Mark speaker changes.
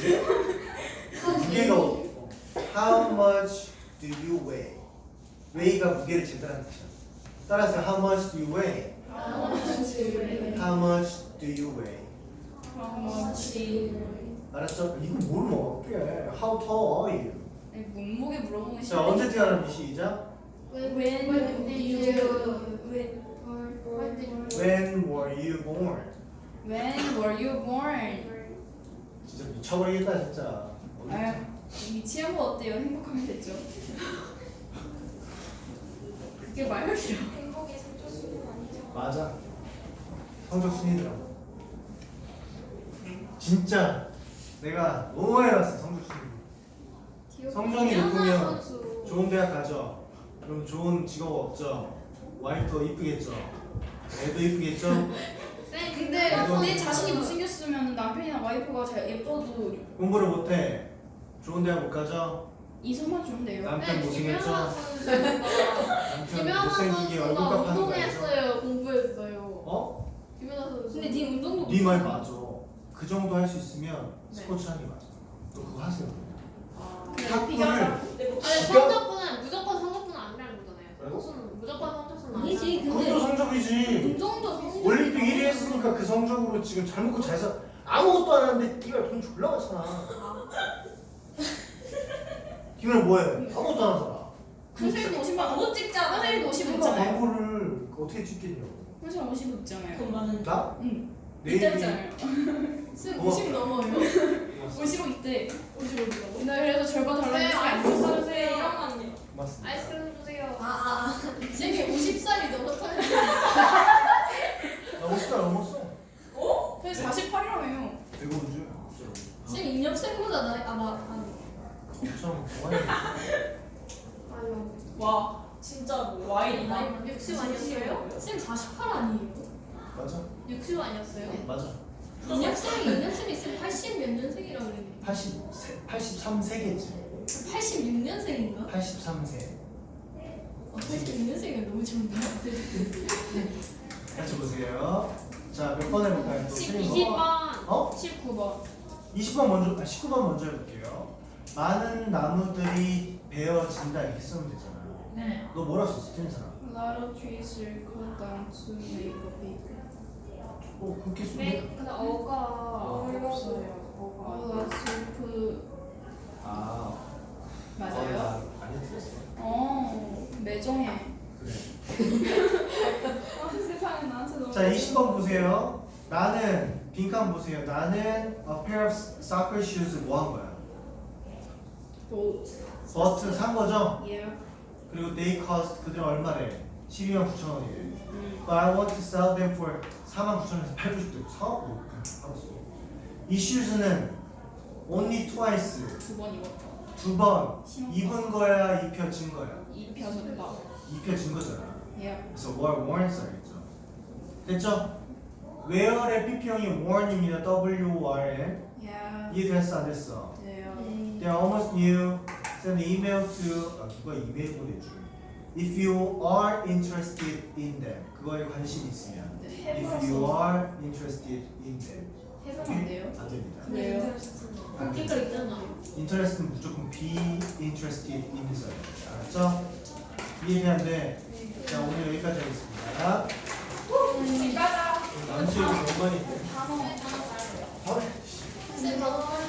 Speaker 1: 무게가 How much do you weigh? weigh가 무게를 재다라는 뜻이야. 따라서 How much do you weigh? How much do you weigh? 알았죠? 이거 뭘 먹을게? How tall are you?
Speaker 2: 몸무게 물어보는 거
Speaker 1: 자, 언제 태어났니? 시작.
Speaker 2: When
Speaker 1: When were you born?
Speaker 2: were you born?
Speaker 1: 진짜 미쳐버리겠다 진짜.
Speaker 2: 아유, 미치는 거 어때요? 행복하면 됐죠. 그게 말이야.
Speaker 3: 행복의 상조수는 아니죠.
Speaker 1: 맞아. 성적 순위더라고. 진짜 내가 너무 많이 봤어 성적 순위. 성적이 높으면 좋은 대학 가죠. 그럼 좋은 직업 없죠. 와이프도 이쁘겠죠. 애도 이쁘겠죠.
Speaker 2: 근데 내 자신이 못생겼으면 남편이나 와이프가 잘 예뻐도
Speaker 1: 공부를 못해. 좋은 대학 못 가죠.
Speaker 2: 이성만 주면 돼요.
Speaker 1: 남편 못생겼죠. 남편
Speaker 4: 김연아
Speaker 1: 못생기게
Speaker 4: 선수가
Speaker 1: 얼굴값 하는 거 알죠?
Speaker 4: 운동했어요. 공부했어요.
Speaker 1: 어?
Speaker 4: 김연아 선수.
Speaker 2: 근데 네 운동도
Speaker 1: 네 말
Speaker 2: 못하잖아.
Speaker 1: 맞아. 그 정도 할 수 있으면
Speaker 2: 네.
Speaker 1: 스포츠 하는 게 맞아. 또 그거 하세요.
Speaker 2: 그래,
Speaker 1: 탁구를
Speaker 2: 비교하자.
Speaker 4: 아니 성적분은 무조건 성적분은 아니라는 거잖아요.
Speaker 1: 뭐라고?
Speaker 4: 성적은 무조건 성적분은
Speaker 2: 아니지,
Speaker 4: 아니라는
Speaker 2: 근데
Speaker 1: 그것도 성적이지.
Speaker 2: 운동도 성적.
Speaker 1: 올림픽 1위 했으니까 그 성적으로 지금 잘 먹고 잘 사. 아무것도 안 하는데 네가 돈 졸라 많잖아. 김연아 뭐해? 아무것도 안 하잖아.
Speaker 2: 선생님도 50만 못 찍잖아. 선생님도 50
Speaker 1: 그러니까
Speaker 2: 있잖아요.
Speaker 1: 광고를 어떻게 찍겠냐고.
Speaker 2: 선생님 50 있잖아요.
Speaker 3: 많은
Speaker 1: 나?
Speaker 2: 응.
Speaker 1: 내일이
Speaker 2: 있잖아요.
Speaker 4: 쌤
Speaker 1: 뭐?
Speaker 4: 50 넘어요.
Speaker 2: 55 있대.
Speaker 4: 55라고?
Speaker 2: 나 그래서 절반 달라고
Speaker 4: 쌤
Speaker 2: 했어.
Speaker 4: 아이스크림 주세요.
Speaker 3: 이랑만요.
Speaker 1: 고맙습니다.
Speaker 4: 아이스크림 주세요.
Speaker 3: 쌤이 50살이 넘었어요.
Speaker 1: 나 50살 넘었어.
Speaker 2: 그래서 48이라며요.
Speaker 1: 배고프지?
Speaker 3: 쌤 인엽생보다 나이 아마
Speaker 1: 엄청 동안이
Speaker 4: 아유.
Speaker 3: 와 진짜 뭐 와인이 나이
Speaker 4: 60 아니었어요?
Speaker 3: 쌤48 아니에요?
Speaker 1: 맞아.
Speaker 4: 60 아니었어요?
Speaker 1: 맞아.
Speaker 3: 인엽생이 쌤 80 몇 년생이라고 그랬는데
Speaker 1: 83세겠지.
Speaker 3: 86년생인가?
Speaker 1: 83세.
Speaker 3: 86년생이면 너무 좋은데
Speaker 1: 같이 보세요. 자, 몇 번 해볼까요? 또 틀린 거.
Speaker 4: 20번.
Speaker 1: 어?
Speaker 2: 19번.
Speaker 1: 20번 먼저, 19번 먼저 해볼게요. 많은 나무들이 베어진다 이렇게 쓰면 되잖아.
Speaker 3: 네
Speaker 1: 너 뭐라 썼어? 틀린 사람.
Speaker 2: A lot of trees will cut down to make a big.
Speaker 1: 그렇게 쓰면
Speaker 4: 네, 근데 어가
Speaker 2: 없어요. 어가 슬프.
Speaker 1: 아,
Speaker 2: 맞아요?
Speaker 1: 아니 틀렸어.
Speaker 2: 매정해.
Speaker 1: 그래.
Speaker 2: 세상에 나한테 너무.
Speaker 1: 자, 20번 보세요. 나는 빈칸 보세요. 나는 a pair of soccer shoes 뭐 한 거야? 버튼 산 거죠?
Speaker 2: 예.
Speaker 1: 그리고 they cost 그들은 얼마래? 129,000원이래. But I want to sell them for 49,000원에서 팔고 싶대. 사고 알았어. 이 shoes는 only twice
Speaker 2: 두 번 입었다.
Speaker 1: 두 번
Speaker 2: 신었다.
Speaker 1: 입은 거야, 입혀진 거야.
Speaker 2: 입혀졌다.
Speaker 1: 입혀진 거잖아.
Speaker 2: 예.
Speaker 1: 그래서 worn 써야겠죠. 됐죠? wear의 PP형이 worn입니다. W-O-R-N.
Speaker 2: 예.
Speaker 1: 이해됐어 안 됐어?
Speaker 2: 돼요.
Speaker 1: They are almost new. Send an email to 누가 이메일 보내줄. If you are interested in them. 그거에 관심 있으면. If you are interested in them.
Speaker 2: 해보면 안 돼요?
Speaker 1: 안 됩니다.
Speaker 2: 왜요?
Speaker 4: 공기가 있잖아.
Speaker 1: Interest는 무조건 be interested in 써야 됩니다. 알았죠? 이해되는데 자 오늘 여기까지 하겠습니다.
Speaker 2: 집 가자.
Speaker 1: 남친 너무 많이
Speaker 2: 단어.
Speaker 1: 바로
Speaker 4: 쌤 단어